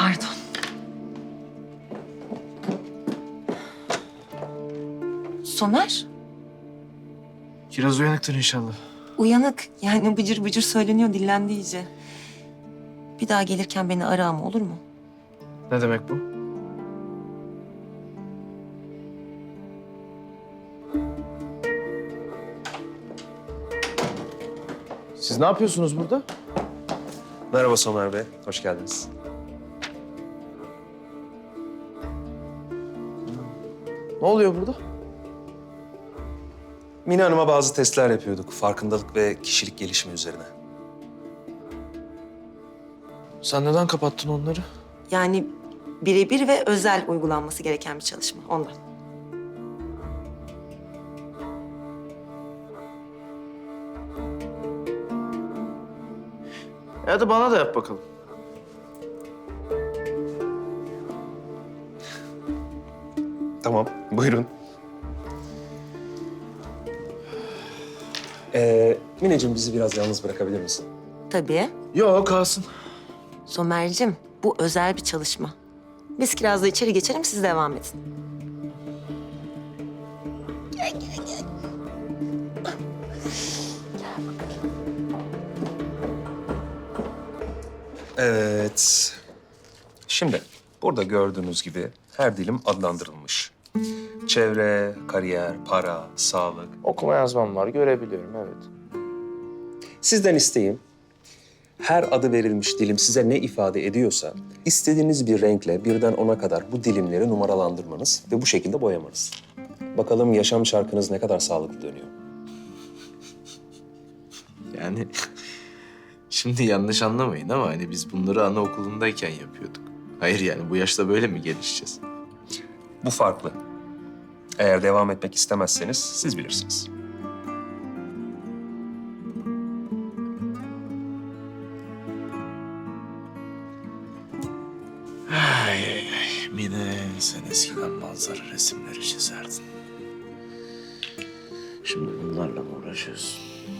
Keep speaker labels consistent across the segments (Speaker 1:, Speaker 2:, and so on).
Speaker 1: Pardon. Somer,
Speaker 2: Kiraz uyanıktır inşallah.
Speaker 1: uyanık. Yani bıcır bıcır söyleniyor, dillendi iyice. Bir daha gelirken beni ara ama olur mu?
Speaker 2: Ne demek bu? Siz ne yapıyorsunuz burada?
Speaker 3: Merhaba Somer Bey, hoş geldiniz.
Speaker 2: Ne oluyor burada?
Speaker 3: Mine Hanım'a bazı testler yapıyorduk. Farkındalık ve kişilik gelişimi üzerine.
Speaker 2: Sen neden kapattın onları?
Speaker 1: Yani birebir ve özel uygulanması gereken bir çalışma ondan.
Speaker 2: Hadi bana da yap bakalım.
Speaker 3: Tamam, buyurun. Mineciğim bizi biraz yalnız bırakabilir misin?
Speaker 1: Tabii.
Speaker 2: Yok kalsın.
Speaker 1: Somer'cim bu özel bir çalışma. Biz Kiraz'la içeri geçelim, siz devam edin.
Speaker 3: Evet. Şimdi burada gördüğünüz gibi her dilim adlandırılmış. Çevre, kariyer, para, sağlık.
Speaker 2: Okuma yazmam var, görebiliyorum evet.
Speaker 3: Sizden isteğim, her adı verilmiş dilim size ne ifade ediyorsa, istediğiniz bir renkle birden 10'a kadar bu dilimleri numaralandırmanız ve bu şekilde boyamanız. Bakalım yaşam çarkınız ne kadar sağlıklı dönüyor.
Speaker 2: Yani şimdi yanlış anlamayın ama hani biz bunları anaokulundayken yapıyorduk. Hayır yani bu yaşta böyle mi gelişeceğiz?
Speaker 3: Bu farklı. Eğer devam etmek istemezseniz siz bilirsiniz.
Speaker 2: Ay ay ay. Mine sen eskiden manzara resimleri çizerdin. Şimdi bunlarla mı uğraşıyorsun?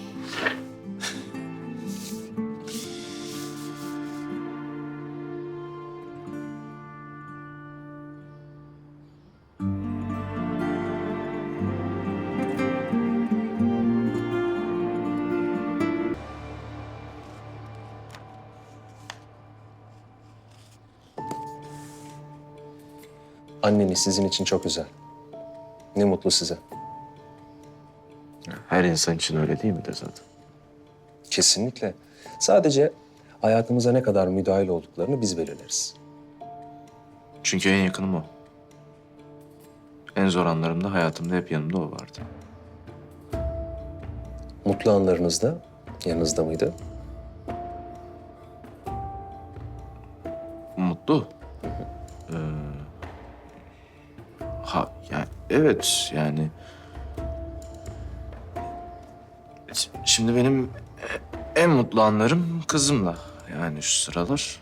Speaker 3: Anneniz sizin için çok özel. Ne mutlu size.
Speaker 2: Her insan için öyle değil mi de zaten?
Speaker 3: Kesinlikle. Sadece hayatımıza ne kadar müdahil olduklarını biz belirleriz.
Speaker 2: Çünkü en yakınım o. En zor anlarımda hayatımda hep yanımda o vardı.
Speaker 3: Mutlu anlarınızda yanınızda mıydı?
Speaker 2: Mutlu. Yani evet yani. Şimdi benim en mutlu anlarım kızımla. Yani şu sıralar.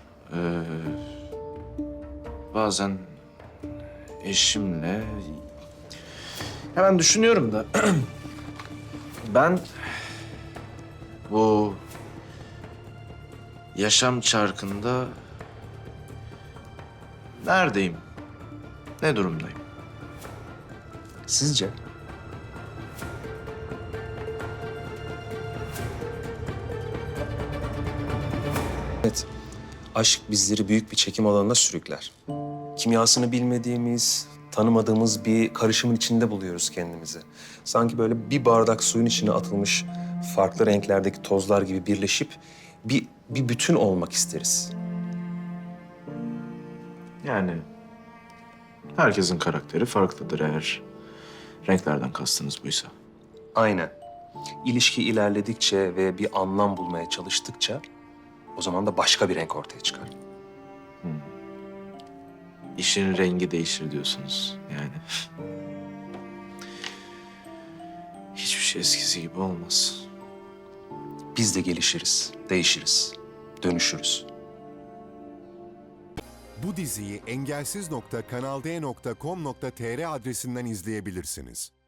Speaker 2: Bazen eşimle. Ya ben düşünüyorum da ben bu yaşam çarkında neredeyim? Ne durumdayım?
Speaker 3: Sizce? Evet, aşk bizleri büyük bir çekim alanına sürükler. Kimyasını bilmediğimiz, tanımadığımız bir karışımın içinde buluyoruz kendimizi. Sanki böyle bir bardak suyun içine atılmış farklı renklerdeki tozlar gibi birleşip bir bütün olmak isteriz.
Speaker 2: Yani herkesin karakteri farklıdır eğer renklerden kastınız buysa.
Speaker 3: Aynen. İlişki ilerledikçe ve bir anlam bulmaya çalıştıkça o zaman da başka bir renk ortaya çıkar.
Speaker 2: İşin rengi değişir diyorsunuz yani. Hiçbir şey eskisi gibi olmaz.
Speaker 3: Biz de gelişiriz, değişiriz, dönüşürüz.
Speaker 4: Bu diziyi engelsiz.kanalde.com.tr adresinden izleyebilirsiniz.